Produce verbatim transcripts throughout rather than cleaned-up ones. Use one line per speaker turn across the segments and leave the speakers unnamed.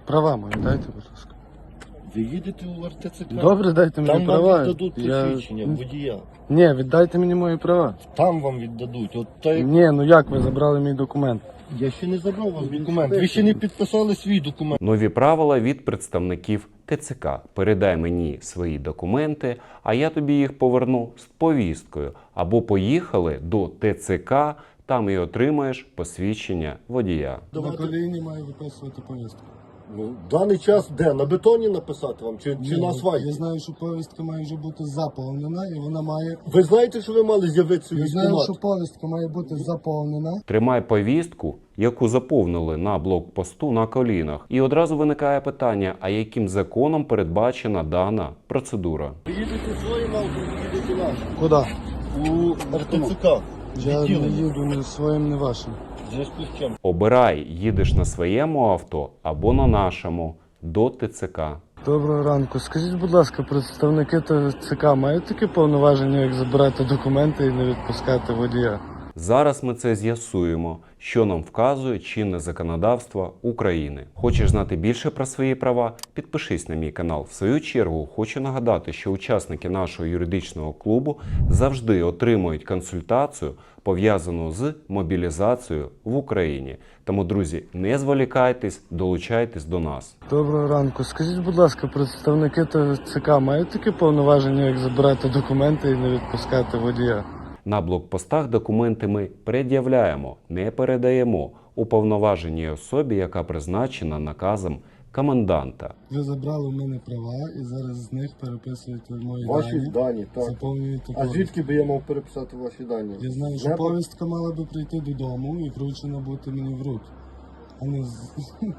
Права мої, дайте, будь ласка.
Ви їдете у ар те це ка?
Добре, дайте мені
Там
права.
вам віддадуть посвідчення
Я...
водія.
Ні, віддайте мені мої права.
Там вам віддадуть. От та як...
Ні, ну як ви забрали мій документ?
Я ще не забрав вас документ. Ви ще не підписали свій документ.
Нові правила від представників те це ка. Передай мені свої документи, а я тобі їх поверну з повісткою. Або поїхали до те це ка, там і отримаєш посвідчення водія.
На коліні маю виписувати повістку.
Ну, в даний час де? На бетоні написати вам? Чи, чи на асфальті?
Я знаю, що повістка має вже бути заповнена, і вона має...
Ви знаєте, що ви мали з'явитися у
Я знаю,
військкомат?
що повістка має бути заповнена.
Тримай повістку, яку заповнили на блокпосту на колінах. І одразу виникає питання, а яким законом передбачена дана процедура?
Ви їдете своїм авто, ви їдете нашим.
Куди?
У ар те це ка.
Я не їду ні своїм, ні вашим.
В зв'язку з чим?
Обирай, їдеш на своєму авто або на нашому до те це ка.
Доброго ранку. Скажіть, будь ласка, представники те це ка мають такі повноваження, як забирати документи і не відпускати водія?
Зараз ми це з'ясуємо, що нам вказує чинне законодавство України. Хочеш знати більше про свої права? Підпишись на мій канал. В свою чергу хочу нагадати, що учасники нашого юридичного клубу завжди отримують консультацію, пов'язану з мобілізацією в Україні. Тому, друзі, не зволікайтесь, долучайтесь до нас.
Доброго ранку. Скажіть, будь ласка, представники те це ка мають такі повноваження, як забирати документи і не відпускати водія?
На блокпостах документи ми пред'являємо, не передаємо уповноваженій особі, яка призначена наказом коменданта.
Ви забрали у мене права і зараз з них переписуєте мої
Ваші
дані,
дані, так.
заповнюєте
А
повістку.
звідки би я мав переписати ваші дані?
Я знаю, що
Не
повістка мала би прийти додому і вручена бути мені в руки. А не з...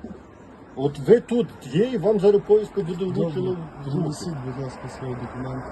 От ви тут є, і вам зараз повістка буде влучена
Добре,
в руки.
принесіть, будь ласка, свої документи.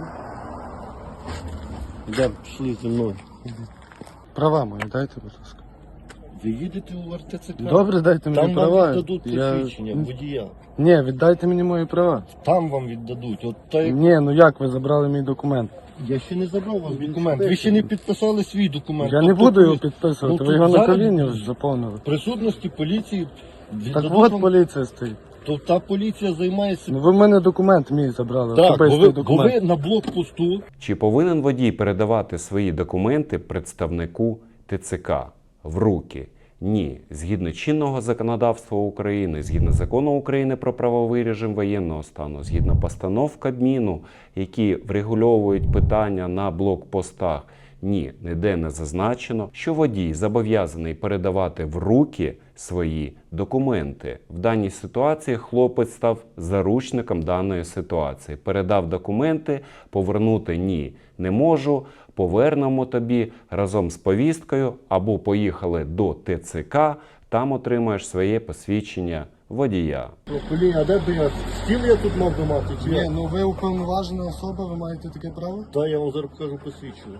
Де пішли зі мною?
Права мої, дайте, будь ласка.
Ви їдете у ар те це ка?
Добре, дайте мені
Там
права.
вам віддадуть
Я...
посвідчення водія.
Ні, віддайте мені мої права.
Там вам віддадуть. От та як...
Ні, ну як ви забрали мій документ?
Я ще не забрав вас документ. Ви ще не підписали свій документ.
Я не
Тобто
буду його
ви-
підписувати,
Ну,
ви
тут
його на
зараз
коліні вже заповнили.
В присутності поліції
Так
віддадуть
от
вам...
поліція стоїть.
То та поліція займається...
Ну ви в мене документ мій забрали,
Так, бо
особистий
ви, бо
документ.
ви на блокпосту.
Чи повинен водій передавати свої документи представнику те це ка в руки? Ні. Згідно чинного законодавства України, згідно закону України про правовий режим воєнного стану, згідно постанов Кабміну, які врегульовують питання на блокпостах, ні, ніде не зазначено, що водій зобов'язаний передавати в руки свої документи. В даній ситуації хлопець став заручником даної ситуації. Передав документи, повернути ні, не можу, повернемо тобі разом з повісткою, або поїхали до те це ка, там отримаєш своє посвідчення водія.
Блін, а де б я? Стіл я тут мав би мати? Чи
Ні,
я?
ну ви уповноважена особа, ви маєте таке право?
Та я вам зараз покажу посвідчення.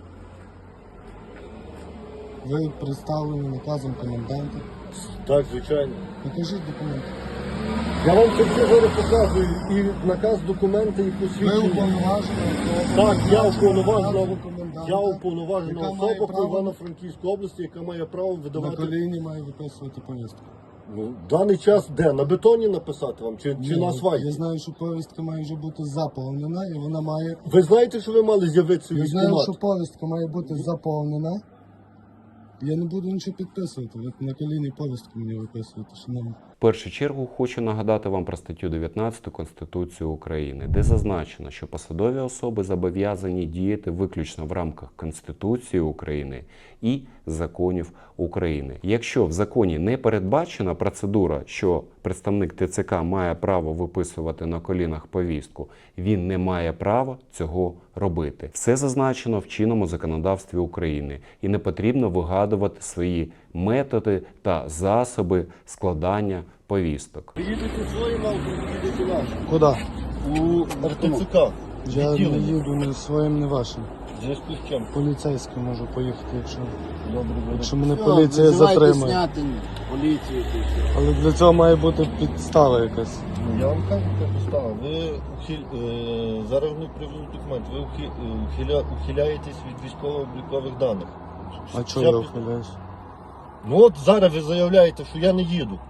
Ви представлені наказом коменданта.
Так, звичайно.
Покажіть документи.
Я вам це все зараз показую. І наказ, документи, і
Ви
посвідчення.
уповноважена особа.
Так, я уповноважена,
наказом коменданта,
я уповноважена
яка має
особа по
право
Івано-Франківській області, яка має право
На
видавати...
коліні має виписувати повістку.
Ну, в даний час де? На бетоні написати вам? Чи, чи
Ні,
на асфальті?
Я знаю, що повістка має вже бути заповнена, і вона має...
Ви знаєте, що ви мали з'явитися у
Я знаю,
військкомат?
що повістка має бути заповнена. Я не буду нічого підписувати. Ви на коліні повістку мені виписуєте, шановні.
В першу чергу хочу нагадати вам про статтю дев'ятнадцяту Конституції України, де зазначено, що посадові особи зобов'язані діяти виключно в рамках Конституції України і законів України. Якщо в законі не передбачена процедура, що представник те це ка має право виписувати на колінах повістку, він не має права цього робити. Все зазначено в чинному законодавстві України, і не потрібно вигадувати свої методи та засоби складання повісток.
Ви їдете своїм авто, ви їдете нашим.
Куди?
У ар те це ка.
Я не їду ні своїм, ні вашим.
В зв'язку з чим?
Поліцейський можу поїхати, якщо,
Добре, добре.
якщо мене поліція затримає.
Зняти поліцію. і все.
Але для цього має бути підстава якась.
Ну, я вам кажу, яка підстава. Ви ухиль... е... зараз не привезуть документ. Ви ухи... е, ухиля... ухиляєтесь від військово-облікових даних.
А чого
Вся
я
під-
ухиляюсь?
Ну от зараз ви заявляєте, що я не їду.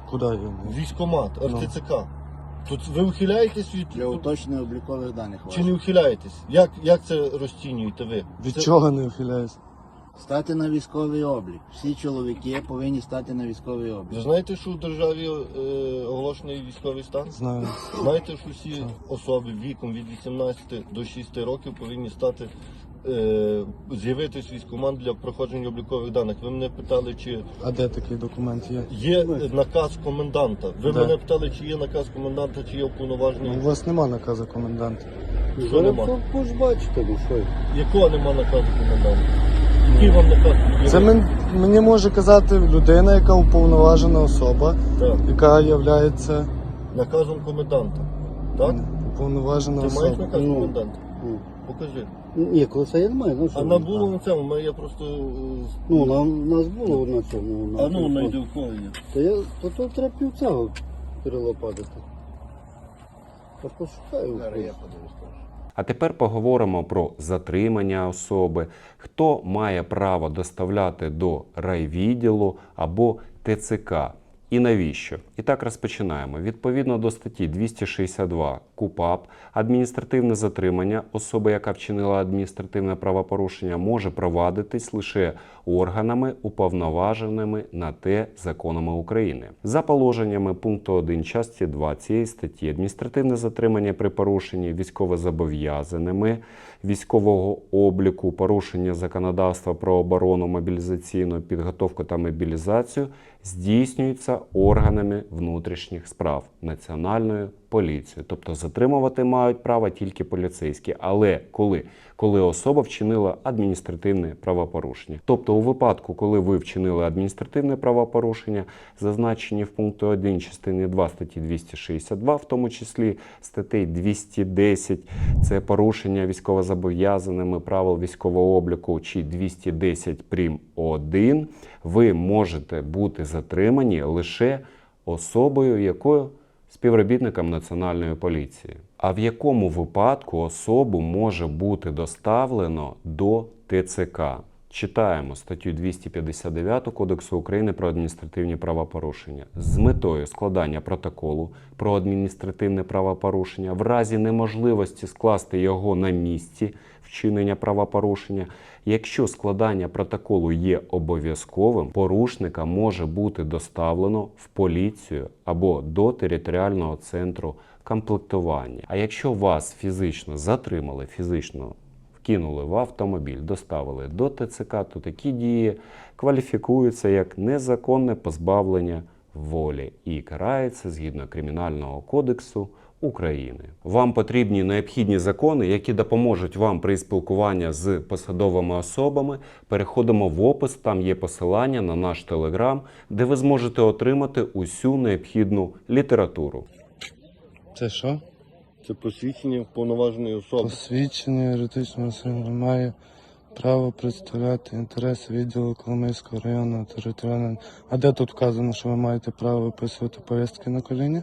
Куди я?
Військкомат,
Ну.
ар те це ка. Тут ви ухиляєтесь від...
Для уточнення облікових даних
Чи не
ваших.
ухиляєтесь? Як, як це розцінюєте ви?
Від
Це-
чого не ухиляюсь?
Стати на військовий облік. Всі чоловіки повинні стати на військовий
Ви
облік.
знаєте, що в державі е, оголошений військовий стан?
Знаю.
Знаєте, що всі особи віком від вісімнадцяти до шістнадцяти років повинні стати, е, з'явитись військкомат для проходження облікових даних. Ви мене питали, чи
А де такий документ є?
є е, наказ коменданта. Ви
Да.
мене питали, чи є наказ коменданта, чи є
Ну,
уповноважений.
у вас нема наказу коменданта.
Що нема?
Ви ж бачите, ну що.
Якого нема наказу коменданта? Який вам наказ? є?
Це мен- мені може казати людина, яка уповноважена особа,
Так.
яка є
Наказом коменданта. Так?
уповноважена
Ти маєш
особа.
наказ
Ну.
коменданта?
Ну,
Покажи.
ні, коли це я не маю, ну що.
А
ви
на
там?
було на цьому, ми- я просто. е,
Ну, на, нас було на цьому. На
А ну,
телефоні.
найди в кого є.
Та я, то, то треба пів цього перелопатити. Та пошукаю.
Зараз я подивлюсь.
А тепер поговоримо про затримання особи, хто має право доставляти до райвідділу або те це ка. І навіщо? І так розпочинаємо. Відповідно до статті двісті шістдесят два КУпАП, адміністративне затримання особи, яка вчинила адміністративне правопорушення, може провадитись лише органами, уповноваженими на те законами України. За положеннями пункту один частини два цієї статті, адміністративне затримання при порушенні військовозобов'язаними військового обліку, порушення законодавства про оборону, мобілізаційну підготовку та мобілізацію здійснюється органами внутрішніх справ Національною поліцією. Тобто затримувати мають право тільки поліцейські. Але коли? Коли особа вчинила адміністративне правопорушення. Тобто у випадку, коли ви вчинили адміністративне правопорушення, зазначені в пункті один частини два статті двісті шістдесят два, в тому числі статей двісті десять, це порушення військовозобов'язаними правил військового обліку, чи двісті десять прим. один, ви можете бути затримані лише особою, якою співробітником Національної поліції. А в якому випадку особу може бути доставлено до те це ка? Читаємо статтю двісті п'ятдесят дев'ять Кодексу України про адміністративні правопорушення. З метою складання протоколу про адміністративне правопорушення в разі неможливості скласти його на місці вчинення правопорушення, якщо складання протоколу є обов'язковим, порушника може бути доставлено в поліцію або до територіального центру комплектування. А якщо вас фізично затримали, фізично вкинули в автомобіль, доставили до те це ка, то такі дії кваліфікуються як незаконне позбавлення волі і карається згідно Кримінального кодексу України. Вам потрібні необхідні закони, які допоможуть вам при спілкуванні з посадовими особами. Переходимо в опис, там є посилання на наш телеграм, де ви зможете отримати усю необхідну літературу.
Це що?
Це посвідчення вповноваженої особи.
Посвідчення юридичного особи має право представляти інтереси відділу Коломийського районного територіального. А де тут вказано, що ви маєте право виписувати повістки на коліні?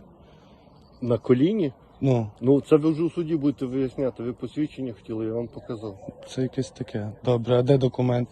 На коліні?
Ну,
Ну, це ви вже у суді будете виясняти. Ви посвідчення хотіли, я вам показав.
це якесь таке. Добре, а де документ?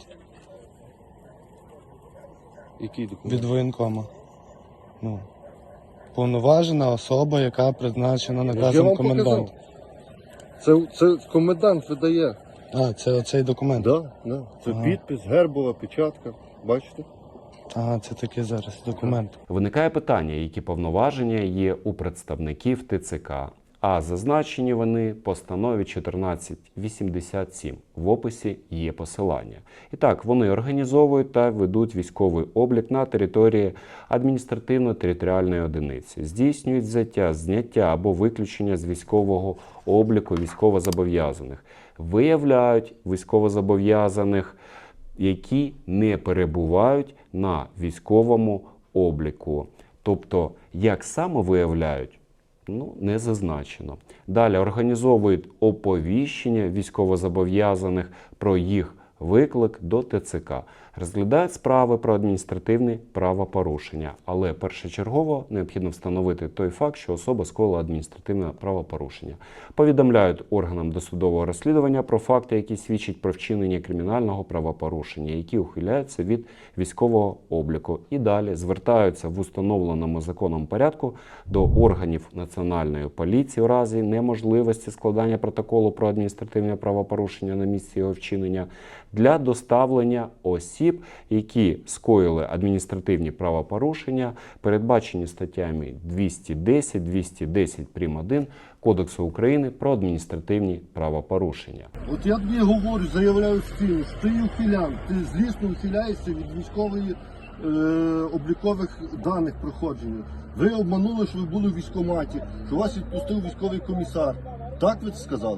Який документ?
Від воєнкома. Ну. Повноважена особа, яка призначена
Я
наказом
вам
коменданта.
показав. Це, це комендант видає.
А, це оцей документ.
Да, да. Це
Ага.
підпис, гербова, печатка. Бачите?
Ага, це такий зараз документ.
Виникає питання, які повноваження є у представників те це ка, а зазначені вони в постанові чотирнадцять вісімдесят сім. В описі є посилання. І так, вони організовують та ведуть військовий облік на території адміністративно-територіальної одиниці, здійснюють взяття, зняття або виключення з військового обліку військовозобов'язаних, виявляють військовозобов'язаних, які не перебувають на військовому обліку. Тобто, як саме виявляють, ну, не зазначено. Далі організовують оповіщення військовозобов'язаних про їх виклик до те це ка. розглядають справи про адміністративні правопорушення, але першочергово необхідно встановити той факт, що особа скоїла адміністративне правопорушення. Повідомляють органам досудового розслідування про факти, які свідчать про вчинення кримінального правопорушення, які ухиляються від військового обліку. І далі звертаються в установленому законом порядку до органів Національної поліції у разі неможливості складання протоколу про адміністративне правопорушення на місці його вчинення для доставлення осіб, які скоїли адміністративні правопорушення, передбачені статтями двісті десять, двісті десять прим. один Кодексу України про адміністративні правопорушення.
От я тобі говорю, заявляю стіну, що ти ухилян, ти злісно ухиляєшся від військової е, облікових даних проходження. Ви обманули, що ви були в військкоматі, що вас відпустив військовий комісар. Так ви це сказали?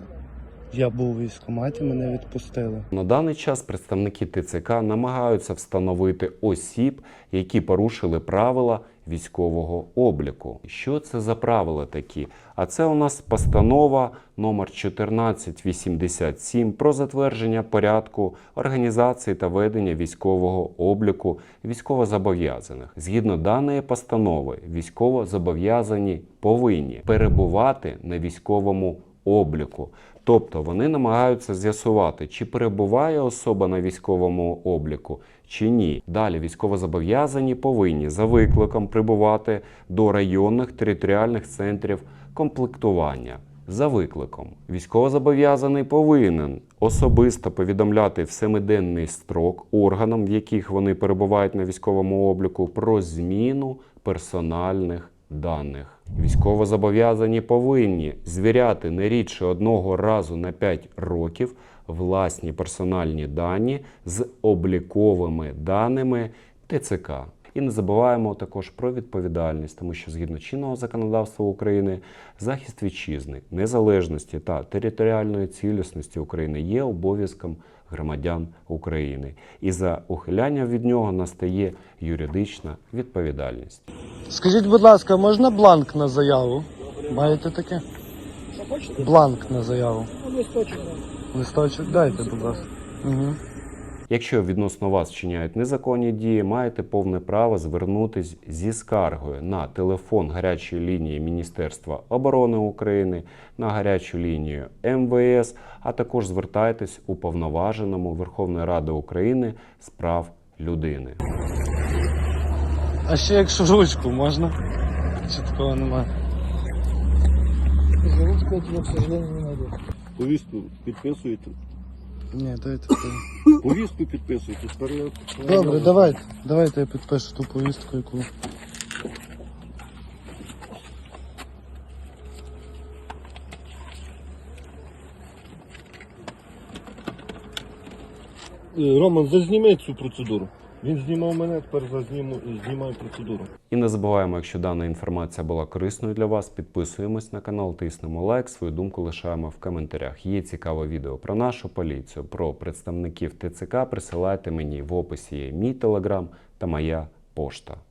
Я був у військкоматі, мене відпустили.
На даний час представники ТЦК намагаються встановити осіб, які порушили правила військового обліку. Що це за правила такі? А це у нас постанова номер чотирнадцять вісімдесят сім про затвердження порядку організації та ведення військового обліку військовозобов'язаних. Згідно даної постанови, військовозобов'язані повинні перебувати на військовому обліку. Тобто вони намагаються з'ясувати, чи перебуває особа на військовому обліку, чи ні. Далі військовозобов'язані повинні за викликом прибувати до районних територіальних центрів комплектування. За викликом військовозобов'язаний повинен особисто повідомляти в семиденний строк органам, в яких вони перебувають на військовому обліку, про зміну персональних даних. Військовозобов'язані повинні звіряти не рідше одного разу на п'ять років власні персональні дані з обліковими даними ТЦК. І не забуваємо також про відповідальність, тому що згідно чинного законодавства України захист вітчизни, незалежності та територіальної цілісності України є обов'язком громадян України. І за ухиляння від нього настає юридична відповідальність.
Скажіть, будь ласка, можна бланк на заяву? Маєте таке? Бланк на заяву.
Листочок.
Листочок дайте, будь ласка. Угу.
Якщо відносно вас вчиняють незаконні дії, маєте повне право звернутись зі скаргою на телефон гарячої лінії Міністерства оборони України, на гарячу лінію Ем Ве Ес, а також звертайтесь у Уповноваженому Верховної Ради України з прав людини.
А ще якщо ручку можна? Чи такого немає?
За ручку я тебя, к сожалению, не найду.
Повістку підписуєте?
Ні, дайте.
Повістку підписуєте. Тепер я-
Добре, давайте. Давайте я підпишу ту повістку, яку.
Е, Роман, зазніми цю процедуру. Він знімав мене, тепер зазніму, знімаю процедуру.
І не забуваємо, якщо дана інформація була корисною для вас, підписуємось на канал, тиснемо лайк, свою думку лишаємо в коментарях. Є цікаве відео про нашу поліцію, про представників Те Це Ка, присилайте мені в описі є мій телеграм та моя пошта.